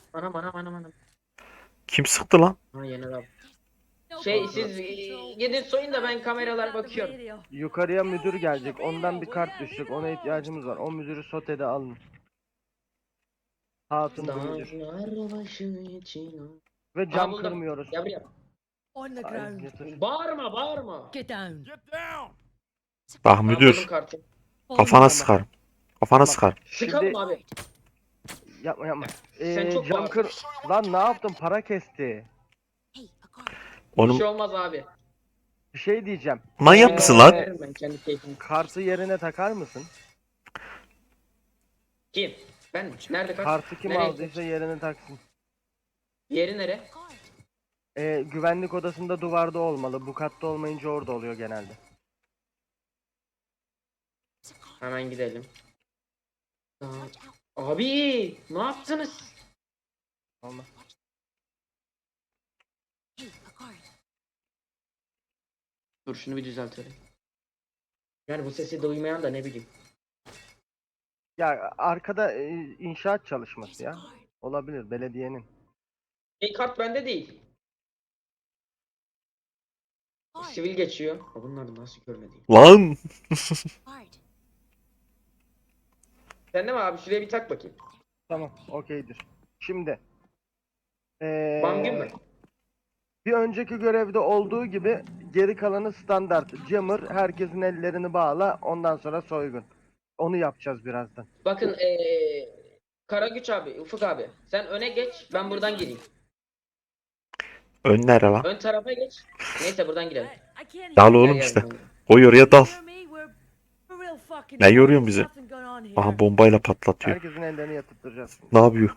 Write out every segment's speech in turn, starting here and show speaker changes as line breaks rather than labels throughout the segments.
Anam.
Kim sıktı lan?
Ha Yener abi. Siz gidin soyun da ben kameralara bakıyorum.
Yukarıya müdür gelecek. Ondan bir kart düşecek. Ona ihtiyacımız var. O müdürü sotede alın. Hatun bu müdür.
Dağlar başı için.
Ve
Aha
cam
buldum.
kırmıyoruz.
Gel buraya.
On the
Ay,
ground.
getir.
Bağırma.
Get down.
Bak
Aha buldum
müdür.
kartı.
Kafana sıkarım. Kafana
Tamam.
sıkarım.
Sıkalım abi.
Yapma.
Sen çok
Cam
bağırdın.
kır. Lan ne yaptın? Para kesti.
Bir
Onun
şey olmaz abi.
Bir şey diyeceğim.
manyak mısın lan?
Veririm ben kendi keyfimi.
Kartı yerine takar mısın?
Kim? Ben mi? Nerede kart?
Kartı kim
Nereye
aldıysa yerine taksın.
Yeri nere?
Güvenlik odasında duvarda olmalı. Bu katta olmayınca orada oluyor genelde.
Hemen gidelim. Abi ne yaptınız?
Olmaz.
Dur şunu bir düzeltelim. Yani bu sesi duymayan da ne bileyim.
Ya arkada inşaat çalışması ya. Olabilir belediyenin.
Kart bende değil. Sivil geçiyor. Ha, bunları nasıl görmediğim.
Lan.
Sen de mi abi? Şuraya bir tak bakayım.
Tamam, okeydir. Şimdi
Bangün mü?
bir önceki görevde olduğu gibi geri kalanı standart. Jammer, herkesin ellerini bağla, ondan sonra soygun. Onu yapacağız birazdan.
Bakın Karagüç abi, Ufuk abi. Sen öne geç. Ben buradan gireyim.
Ön nere lan?
Ön tarafa geç. Neyse buradan girelim.
Dal
Gel,
oğlum
gel,
işte.
buradan girelim.
Koy oraya dal. Ne yoruyorsun bizi? Aha bombayla patlatıyor.
Herkesin ellerini yatıttıracağız.
Ne yapıyor?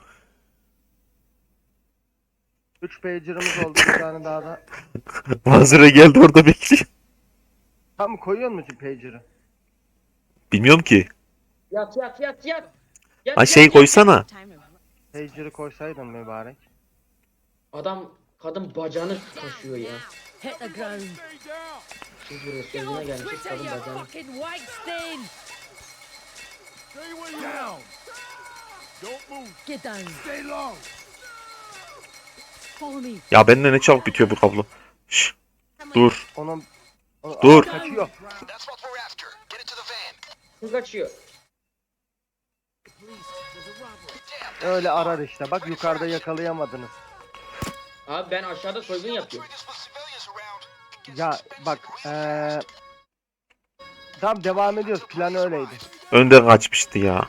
3 pager'ımız oldu, bir tane daha da.
Manzara geldi orada bekliyor.
Tam koyuyor musun pager'ı?
Bilmiyorum ki.
Yat.
Ha şey koysana.
Pager'ı koysaydın mübarek.
Adam kadın bacağını kaşıyor ya.
Hit the ground.
Siz buraya
Get
sözüne
off
gelmişiz
Twitter,
kadın
you
bacağını.
fucking Weinstein. Get down. Follow me.
Ya bende ne çabuk bitiyor bu kablo. Şş, dur.
Onun
Dur.
kaçıyor.
Kız kaçıyor.
Öyle arar işte. Bak yukarıda yakalayamadınız.
Abi ben aşağıda soygun yapıyorum.
Ya bak tamam, devam ediyoruz. Plan öyleydi.
Önden kaçmıştı ya.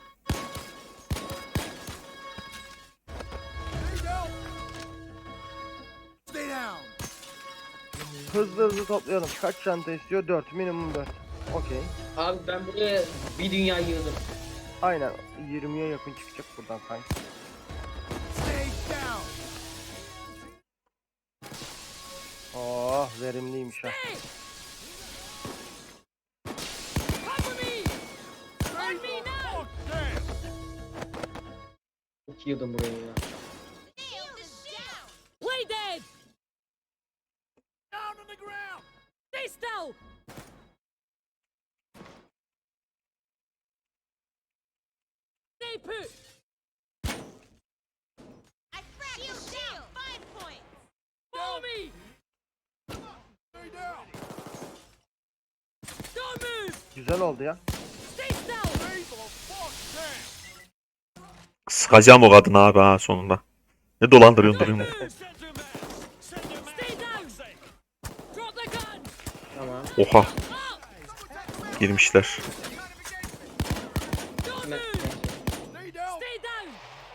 Hızlı toplayalım. Kaç çanta istiyor? 4. Minimum 4. Okey.
Abi ben buraya bir dünya yığdım.
Aynen. 20'ye yakın çıkacak buradan sanki. Oh, verimliymiş ha.
Cover me. On me now.
Çok yığdım buraya ya.
Play dead. Down on the ground. Stay still. Stay put. Follow me. Don't move.
Güzel oldu ya.
Stay still.
Sıkacağım o kadını abi ha sonunda. Ne dolandırıyorsun duruyorsun?
Stay down. Drop the gun.
Tamam.
Oha.
Up.
Girmişler.
Don't
Ben-
move. Stay down.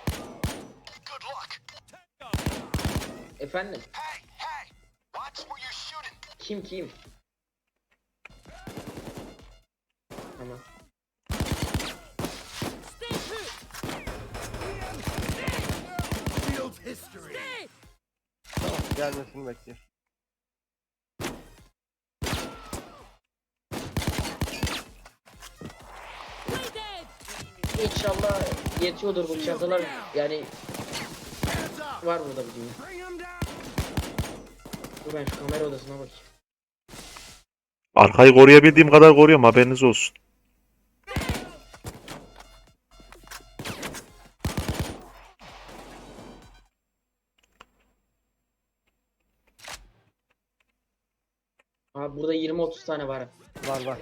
Efendim? Kim? Tamam.
Stay put. Stay.
Gelmesini bekliyor.
Play dead.
İnşallah yetiyordur bu çantalar. Yani var burada bir dünya. Dur ben şu kamera odasına bakayım.
Arkayı koruyabildiğim kadar koruyorum, haberiniz olsun.
burada 20-30 tane var.
Var.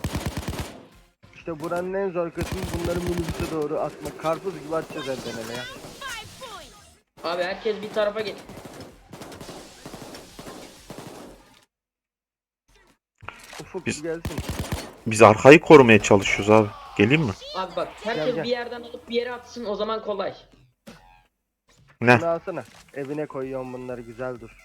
İşte buranın en zor kısmı bunları minibüse doğru atmak. Karpuz gibi atacağız elden ele ya.
5 points.
Abi herkes bir tarafa git.
Ufuk
Biz-
gelsin.
Biz arkayı korumaya çalışıyoruz abi. Geleyim mi?
Abi bak herkes
Gel.
bir yerden alıp bir yere atsın, o zaman kolay.
Ne?
Bunu alsana. Evine koyuyorum bunları, güzel dur.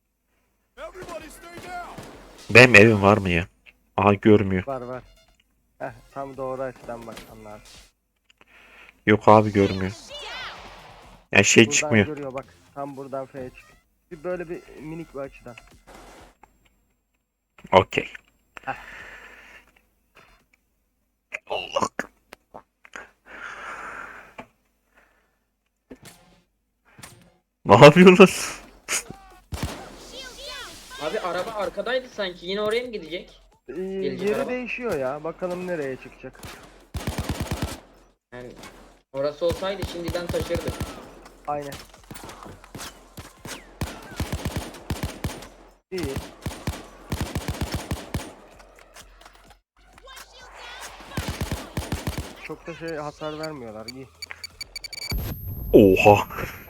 Benim evim var mı ya? Aha görmüyor.
Var. Heh, tam doğru açıdan bak anlar.
Yok abi görmüyor. Yani şey
Buradan
çıkmıyor.
görüyor bak. Tam buradan F'ye çık. Bir böyle bir minik bir açıdan.
Okey. Allah. Ne yapıyorsun lan?
Abi araba arkadaydı sanki, yine oraya mı gidecek? Gelecek
Yeri
araba.
değişiyor ya. Bakalım nereye çıkacak.
Yani orası olsaydı şimdiden taşırdı.
Aynen. İyi. Çok da şey hasar vermiyorlar. İyi.
Oha.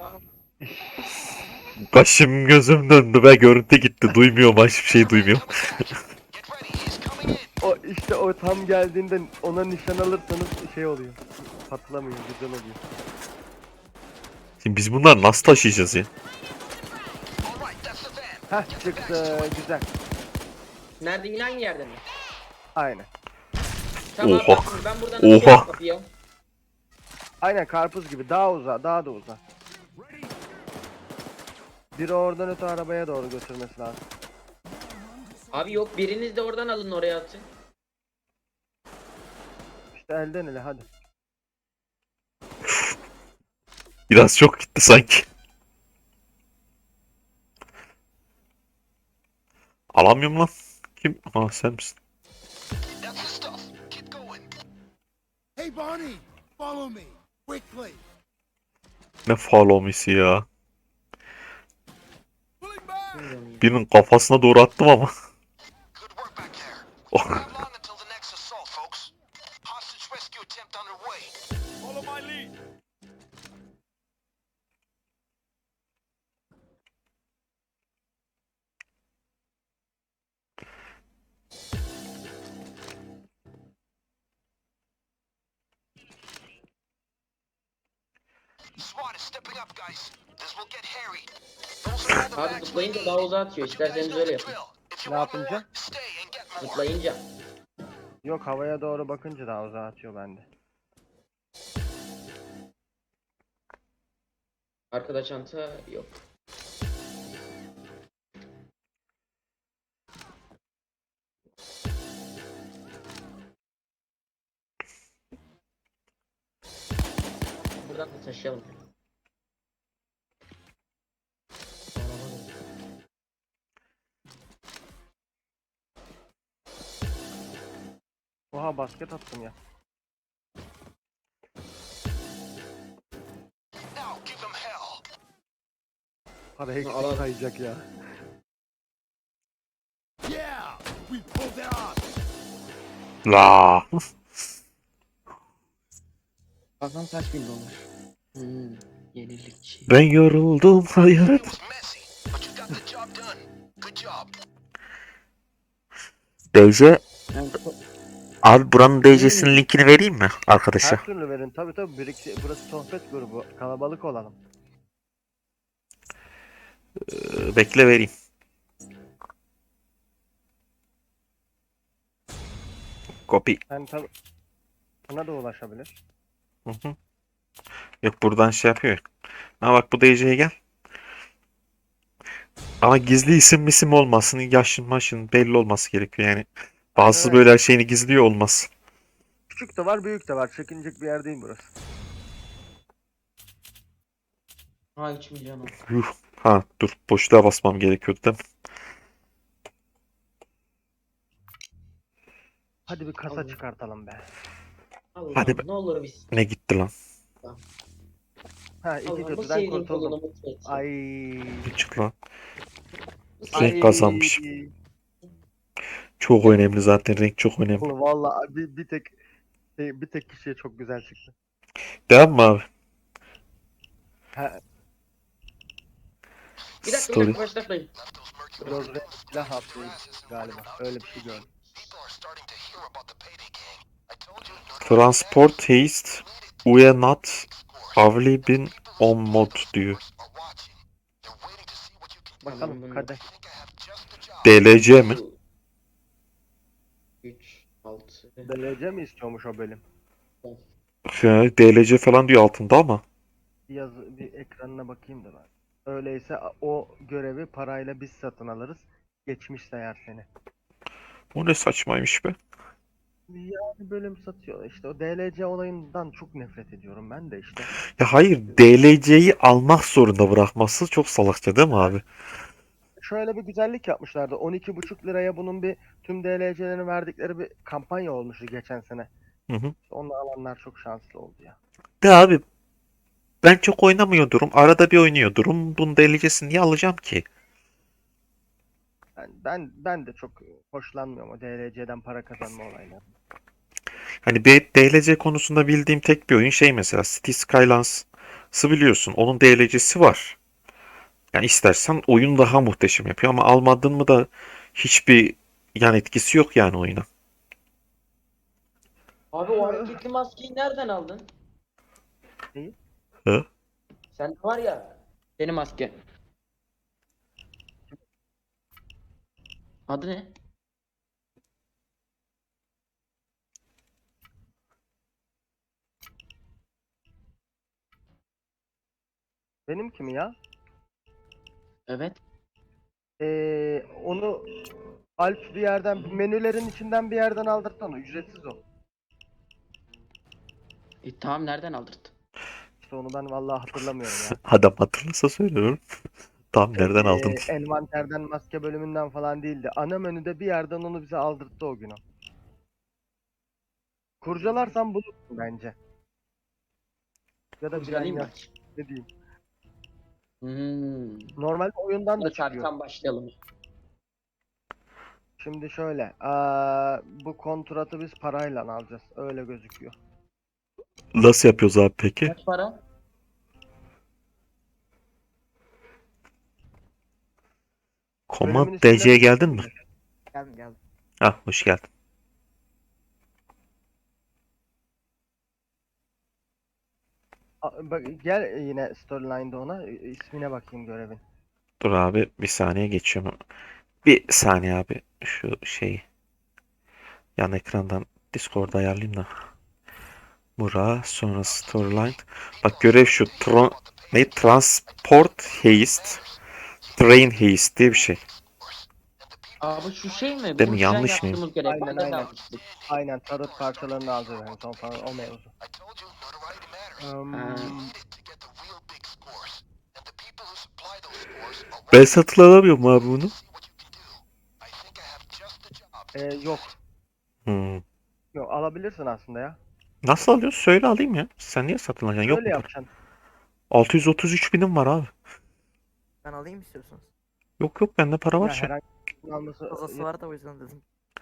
Başım gözüm döndü be, görüntü gitti. Duymuyorum, hiçbir şey duymuyorum.
O işte o tam geldiğinde ona nişan alırsanız şey oluyor. Patlamıyor, güzel oluyor.
Şimdi biz bunları nasıl taşıyacağız ya?
Heh çıktı, güzel.
Nerede, yine aynı yerde mi?
Aynen.
Tamam
Oha.
abi, ben buradan
Oha.
açıyorum kapıyı.
Aynen karpuz gibi daha uzağa, daha da uzağa. Biri oradan öte arabaya doğru götürmesi lazım.
Abi yok, biriniz de oradan alın oraya atın.
İşte elden ele hadi.
Biraz çok gitti sanki. Alamıyorum lan. Kim? Ha sen misin?
That's the stuff. Keep going. Hey, Barney, follow me quickly.
Ne follow me'si ya.
Pulling back.
Birinin kafasına doğru attım ama.
Good work back there.
Oh.
Not long until the next assault, folks. Hostage rescue attempt underway. Follow my lead. SWAT is stepping up, guys. This will get hairy. Those are all the
Abi
bags we
zıplayınca
need.
daha uzağa atıyor.
But you guys
İsterseniz
know
öyle
the
yapın.
drill. If you
Ne
want
yapınca?
more, stay and get more.
Zıplayınca.
Yok havaya doğru bakınca daha uzağa atıyor bende.
Arkada çanta yok. Buradan da taşıyalım.
Oha basket attım ya.
Now give them hell.
Para eksik
alalım.
kayacak ya.
Yeah, we pulled it off.
La.
Bakalım kaç bin dolar. Yenilikçi.
Ben yoruldum hayat.
It was messy, but you got the job done. Good job.
DC. Abi buranın DC'sinin linkini vereyim mi arkadaşa?
Her türlü verin tabi tabi, burası sohbet grubu, kalabalık olalım.
Bekle vereyim. Copy.
Yani tabi buna da ulaşabilir.
Hı hı. Yok buradan şey yapıyor. Ha bak bu DC'ye gel. Ama gizli isim olmasın. Yaşın maşın belli olması gerekiyor yani. Bazısı
Evet.
böyle her şeyini gizliyor olmaz.
Küçük de var büyük de var, çekinecek bir yer değil burası.
Ha 3 milyon oldu.
Yuh. Ha dur boşluğa basmam gerekiyordu değil mi?
Hadi bir kasa
Allah'ım.
çıkartalım be.
Allah'ım
Hadi be.
ne olur biz.
Ne gitti lan?
Ha iki
Allah'ım bu
kötüden
sevdiğim
kurtuldum.
kulunu mutlu et.
Ay.
Bir çık lan.
Bu
Renk kazanmış. Çok önemli zaten. Renk çok önemli.
Oğlum vallahi bir tek kişiye çok güzel çıktı.
Devam mı abi?
Ha,
Bir dakika
Story.
başlatmayın.
Rozre silah upgrade galiba. Öyle bir şey gördüm.
Transport haste. We not have been on mod diyor.
Bakalım
bunu-
kadeh.
DLC mi?
3, 6.
DLC mi istiyormuş o bölüm?
DLC falan diyor altında ama.
Bir ekranına bakayım da ben. Öyleyse o görevi parayla biz satın alırız. Geçmiş sayar seni.
O ne saçmaymış be.
Yani bölüm satıyor. İşte o DLC olayından çok nefret ediyorum ben de işte.
Ya hayır, DLC'yi almak zorunda bırakması çok salakça değil mi abi?
Şöyle bir güzellik yapmışlardı. 12,5 liraya bunun bir tüm DLC'lerini verdikleri bir kampanya olmuştu geçen sene.
Hı hı.
Onu alanlar çok şanslı oldu ya.
De abi, ben çok oynamıyordurum. Arada bir oynuyordurum. Bunun DLC'sini niye alacağım ki?
Ben de çok hoşlanmıyorum o DLC'den para kazanma olayları.
Hani bir DLC konusunda bildiğim tek bir oyun şey mesela Cities Skylines'ı biliyorsun. Onun DLC'si var. Yani istersen oyun daha muhteşem yapıyor ama almadın mı da hiçbir yan etkisi yok yani oyuna.
Abi o hareketli maskeyi nereden aldın?
Neyi?
Hı?
Sen var ya. Senin maske. Adı ne?
Benimki mi ya?
Evet.
Onu Alp bir yerden, menülerin içinden bir yerden aldırtsana. Ücretsiz o.
Tamam nereden aldırdın?
İşte onu ben vallahi hatırlamıyorum ya.
Adam hatırlasa söylüyorum. Tam nereden aldın?
Envanterden, maske bölümünden falan değildi. Ana menüde bir yerden onu bize aldırttı o gün o. Kurcalarsan bulursun bence. Ya da bilen
Kurcalayayım
yaz.
bak.
Ne diyeyim.
Normalde
Normalde oyundan da
Hadi
çıkıyor.
tam başlayalım.
Şimdi şöyle. Bu kontratı biz parayla alacağız. Öyle gözüküyor.
Nasıl yapıyoruz abi peki?
Kaç para?
Command
Bölümün ismini
DC'ye geldin mi?
Geldim.
Ah, hoş geldin.
Bak, gel yine storyline'da ona. İsmine bakayım görevin.
Dur abi, bir saniye geçiyorum. Bir saniye abi. Şu şeyi yan ekrandan Discord'da ayarlayayım da. Bura sonra storyline. Bak görev şu. Transport haste. Train haste diye bir şey.
Abi şu şey mi?
Değil mi?
Bu filan
Yanlış mıyım?
yaptığımız görev.
Aynen,
Bende de
aynen.
almıştık.
Aynen, tarot parçalarını alacağız en son falan o mevzu.
Ha.
Ben satın alamıyorum abi bunu.
Yok.
Hmm.
Yok, alabilirsin aslında ya.
Nasıl alıyorsun? Söyle alayım ya. Sen niye satın alacaksın? Yok
Öyle
mu para?
yapacaksın.
633 binim var abi.
Ben alayım istiyorsanız.
Yok yok, bende para var
Ya
şu an.
herhangi bir alması
Fazlası var da o yüzden dedim.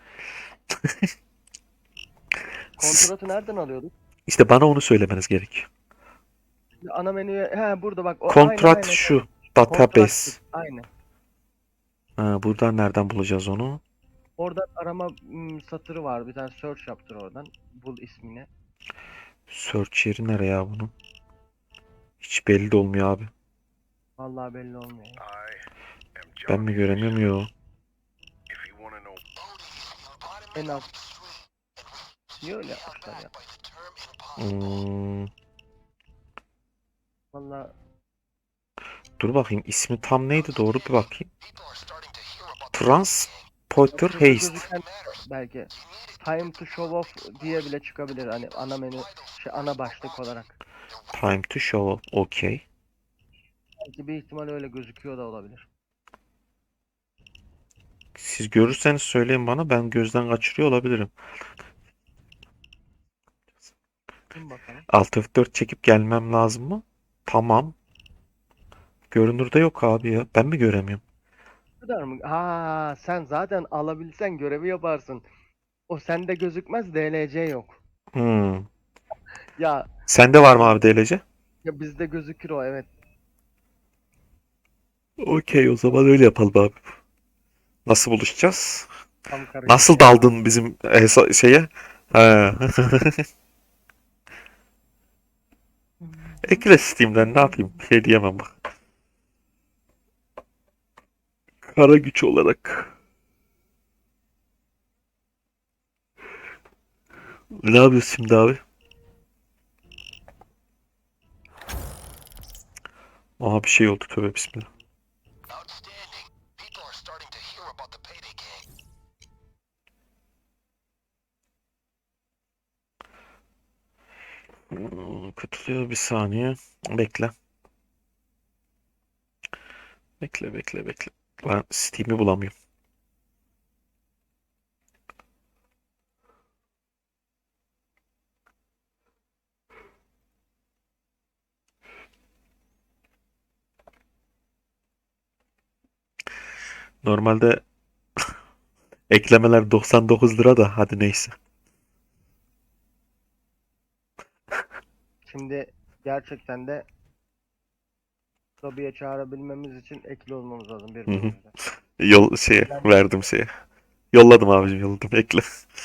kontratı nereden alıyorduk?
İşte bana onu söylemeniz gerekiyor.
Ana menüye burada bak
Kontrat
aynen.
şu.
Kontrat
Database.
aynen.
Ha, buradan nereden bulacağız onu?
Orada arama satırı var. Bir tane search yaptır oradan. Bul ismini.
Search yeri nereye ya bunun? Hiç belli de olmuyor abi.
Vallahi belli olmuyor. Ya.
Ben mi göremiyorum? Yok.
En az. Niye öyle yapmışlar ya?
Hmm,
Vallahi
dur bakayım, ismi tam neydi, doğru bir bakayım. Transporter
şurada
haste.
gözüken belki time to show off diye bile çıkabilir. Hani ana menü ana başlık olarak.
Time to show. Okay.
Belki bir ihtimal öyle gözüküyor da olabilir.
Siz görürseniz söyleyin bana, ben gözden kaçırıyor olabilirim.
Dur bakalım.
Alt F4 çekip gelmem lazım mı? Tamam. Görünürde yok abi ya. Ben mi göremiyorum?
kadar mı? Ha, sen zaten alabilsen görevi yaparsın. O sende gözükmez, DLC yok.
Hmm.
Ya,
Sende var mı abi DLC?
ya bizde gözükür o, evet.
Okey, o zaman öyle yapalım abi. Nasıl buluşacağız?
Tam karışık
Nasıl
ya.
daldın bizim şeye? Ha. Ekle Steam'den, ne yapayım? Bir şey diyemem bak. Kara güç olarak. Ne yapıyorsun şimdi abi? Aha, bir şey oldu, tövbe bismillah.
Outstanding. People are starting to hear about the Payday Gang.
Katılıyor, bir saniye. Bekle. Bekle. Ben Steam'i bulamıyorum. Normalde eklemeler 99 lira da, hadi neyse.
Şimdi gerçekten de lobiye çağırabilmemiz için ekli olmamız lazım
Hı hı.
birbirimize.
Yol şeye verdim şeye. Yolladım abicim, yolladım, ekle.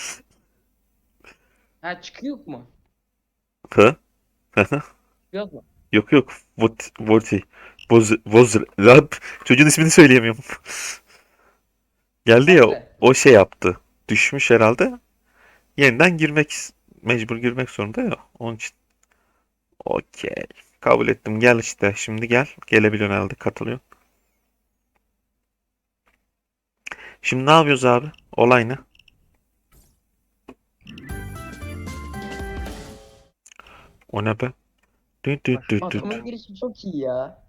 Ha, çıkıyor mu?
Ha? Hı.
Yok mu?
Yok. Voti. Lan, çocuğun ismini söyleyemiyorum. Geldi ya,
Bekle.
o şey yaptı. Düşmüş herhalde. Yeniden mecbur girmek zorunda ya. Onun için. Okey. Kabul ettim. Gel işte. Şimdi gel. Gelebiliyorsun herhalde. Katılıyor. Şimdi ne yapıyoruz abi? Olay ne? O ne be? Düt düt düt düt.
Adamın girişi çok iyi ya.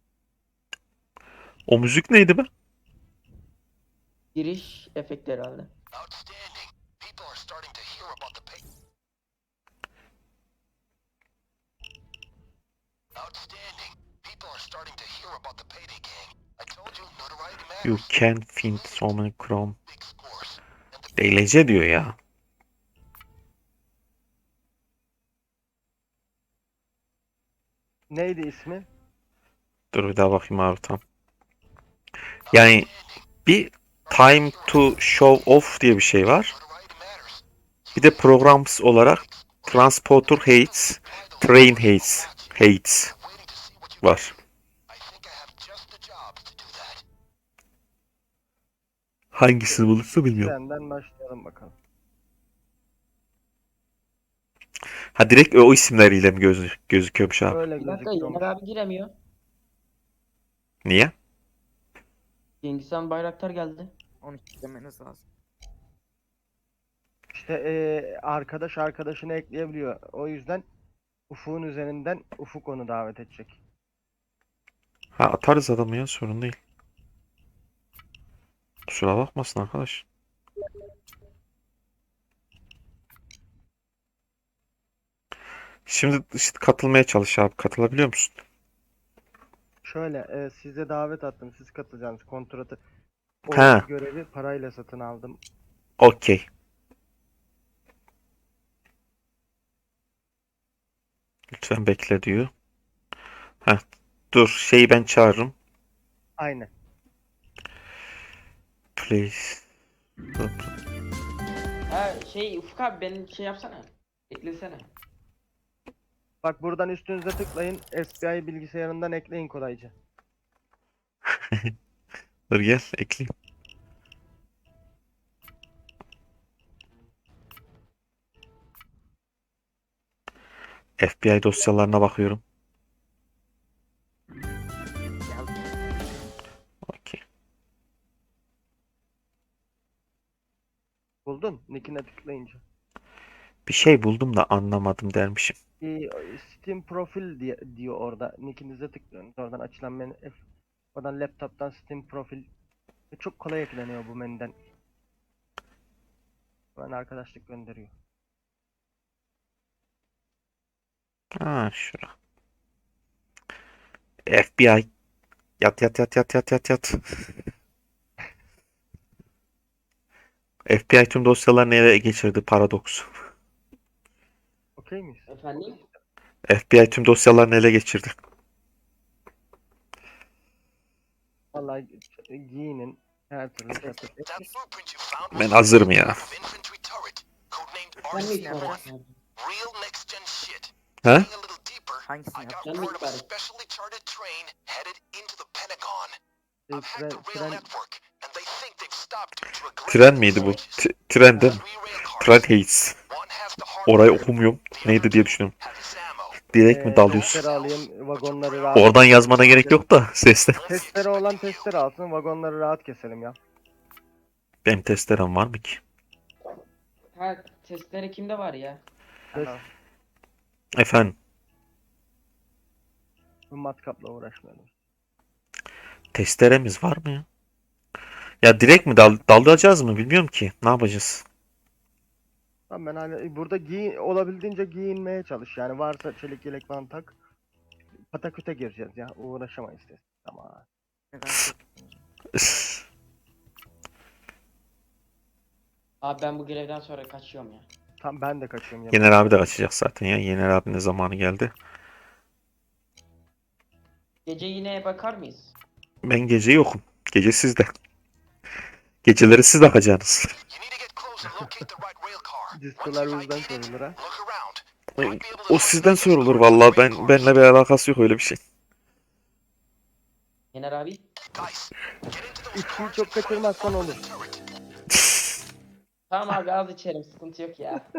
O müzik neydi be?
Giriş efekti herhalde.
Outstanding. People are starting to hear about the pay. Outstanding. People are starting to hear about the Payday Gang. I told you notoriety
You
matters.
can find so many chrome.
Big scores. And the
DLC diyor ya.
Neydi ismi?
Dur bir daha bakayım abi, tam. Yani bir time to show off diye bir şey var.
notoriety matters.
Bir de programs olarak Transporter Hates, Train Hates, Hates
Waiting to see what you
var.
I think I have just the job to do that.
Hangisini bulursa bilmiyorum.
Senden başlayalım bakalım.
Ha, direkt o isimleriyle mi gözüküyormuş abi?
Öyle
Bir dakika,
gözüküyormuş.
Yener abi giremiyor.
Niye?
Cengiz Han Bayraktar geldi.
Onu istemeniz lazım.
İşte arkadaş arkadaşını ekleyebiliyor. O yüzden Ufuk'un üzerinden Ufuk onu davet edecek.
Ha, atarız adamı ya, sorun değil. Kusura bakmasın arkadaş. Şimdi işte katılmaya çalış abi. Katılabiliyor musun?
Şöyle size davet attım. Siz katılacaksınız kontratı. O
Ha.
görevi parayla satın aldım.
Okey. Lütfen bekle diyor. Ha, dur, şeyi ben çağırırım.
Aynen.
Please.
Ha şey, Ufuk abi benim şey yapsana. Eklesene.
Bak buradan üstünüze tıklayın. SPI bilgisayarından ekleyin kolayca.
Dur gel, ekleyeyim. FBI dosyalarına bakıyorum.
Geldim.
Okey.
Buldun? Nick'ine tıklayınca.
Bir şey buldum da anlamadım dermişim.
Steam profil diyor orada. Nick'inize tıklıyorsunuz. Oradan açılan menü. Oradan laptop'tan Steam profil. Çok kolay ekleniyor bu menüden. Ben arkadaşlık gönderiyor.
Ha, şura. FBI. Yat. FBI tüm dosyalarını ele geçirdi Paradox.
Okey miyiz?
Efendim?
FBI tüm dosyalarını ele geçirdi.
Vallahi giyinin her türlü çatır.
That blueprint you found
Ben
was
hazırım ya.
of infantry turret, codenamed
Ben mi
RC-1.
sorayım?
Real next gen shit.
He?
Digging a little deeper,
Hangisini
I got
yapacağım?
word of a
Ben mi
specially charted train headed into the Pentagon.
Şey,
I've hacked the rail
tren
network, and they think they've stopped due to a glitch
Tren
in
miydi bu?
the
Tren değil mi?
Three rail cars.
Tren Hayes.
One has the
Orayı
hardware,
okumuyorum.
the
Neydi
other
diye
two
düşünüyorum.
have his ammo.
Direkt mi dalıyorsun?
testere alayım, vagonları rahat.
Oradan yazmana gerek yok da sesle.
Testere olan testere alsın, vagonları rahat keselim ya.
Benim testerem var mı ki?
Ha testleri kimde var ya?
Test,
Efendim,
matkapla uğraşmayalım.
testeremiz var mı ya? Ya direkt mi dalacağız mı bilmiyorum ki. Ne yapacağız?
Tamam ben hala burada olabildiğince giyinmeye çalış. Yani varsa çelik yelek falan tak. Pataküte gireceğiz ya. Uğraşamayız test. Tamam.
Neden?
Abi ben bu görevden sonra kaçıyorum ya.
Tam ben de kaçıyorum ya.
Yener abi de açacak zaten ya. Yener abinin zamanı geldi.
Gece yine bakar mıyız?
Ben gece yokum. Gece sizde. Geceleri siz bakacaksınız.
You need to get close and locate the right rail car. Once
Diskolar
you've
bizden
ID'd it,
sorulur ha.
look around.
O,
Might be able to
o sizden sorulur vallahi. Benle bir alakası yok öyle bir şey.
Yener abi.
Guys, get into those
İçkiyi
cars
çok
and find the
kaçırmazsan olur.
turret.
Tamam abi az içerim sıkıntı yok ya.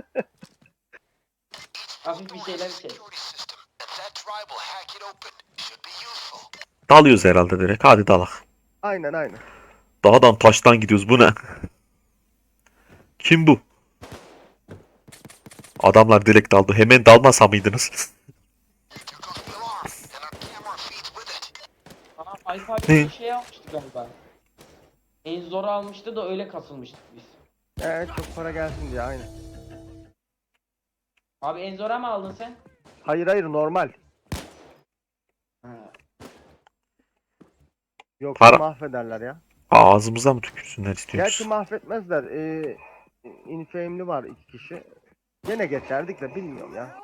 Hafif bir şeyler içerim.
Security system, and that drive will hack it open. Should be useful.
Dalıyoruz herhalde direkt. Hadi dalak.
Aynen aynen.
Dağdan taştan gidiyoruz. Bu ne? Kim bu? Adamlar direkt daldı. Hemen dalmasa mıydınız?
Here goes the alarm, and our camera feeds with it.
Aa Alp abi
Ne?
bir şey almıştı galiba. En zor almıştı da öyle kasılmıştık biz.
Çok para gelsin diye aynen.
Abi en zora mı aldın sen?
Hayır hayır normal.
Ha.
Yok
Para-
mahvederler ya.
Ağzımıza mı tükürsünler istiyoruz?
Gerçi mahvetmezler. Infame'li var 2 kişi. Gene geçerdik de bilmiyorum ya.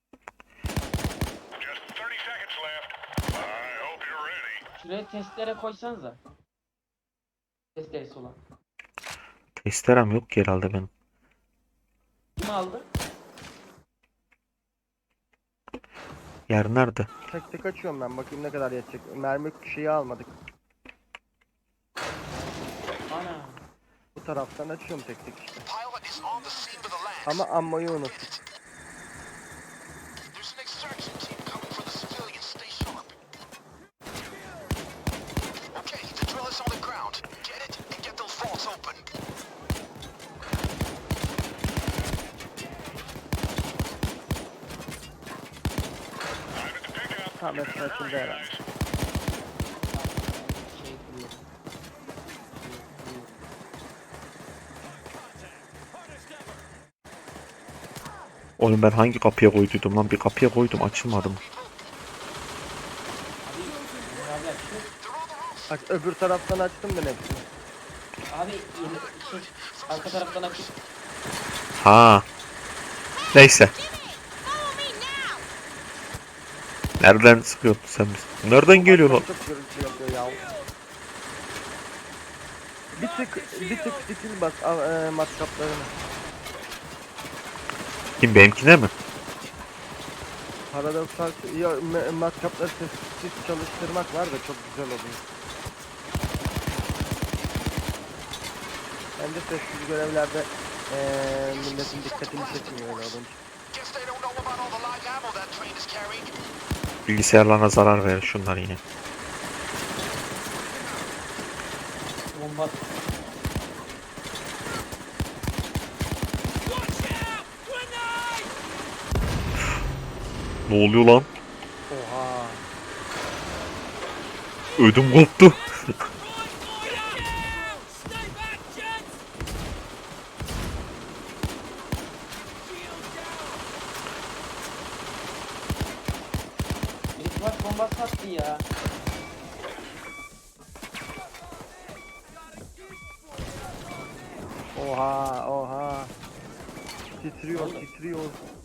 Şuraya testere koysanıza. Testeresi olan.
Testerem yok ki herhalde benim.
Kim aldı?
Yer nerede?
Tek tek açıyorum ben bakayım ne kadar yetecek. Mermi şeyi almadık.
Ana.
Bu taraftan açıyorum tek tek işte.
Pilot is on the scene with a lance.
Ama ammoyu unuttuk.
There's an extraction team coming for the civilians. Stay sharp. Okay, the drill is on the ground. Get it and get those vaults open.
Tam esnasında herhalde.
Şey kuruyor.
Oğlum ben hangi kapıya koyduydum lan? Bir kapıya koydum açılmadı mı?
Abi şu.
Aç, öbür taraftan açtım ben hepsini.
Abi yeni şey arka taraftan açıp
Ha. Neyse. Nereden sıkıyorsun sen bizi? Nereden geliyor lan?
Çok gürültü yapıyor ya. Bir tık skill bas matkaplarını.
Kim benimkine mi?
Paradoksal ya, matkapları sessiz çalıştırmak var da çok güzel oluyor. Bence sessiz görevlerde milletin dikkatini çekmiyor öyle olunca.
Guess they don't know about all the live ammo that train is carrying.
Bilgisayarlarına zarar verir şunlar yine.
bomba.
Ne oluyor lan?
Oha.
Ödüm koptu.
Stay back, gents!
Birisi bak bombası attı ya.
Oha oha. Titriyor titriyor.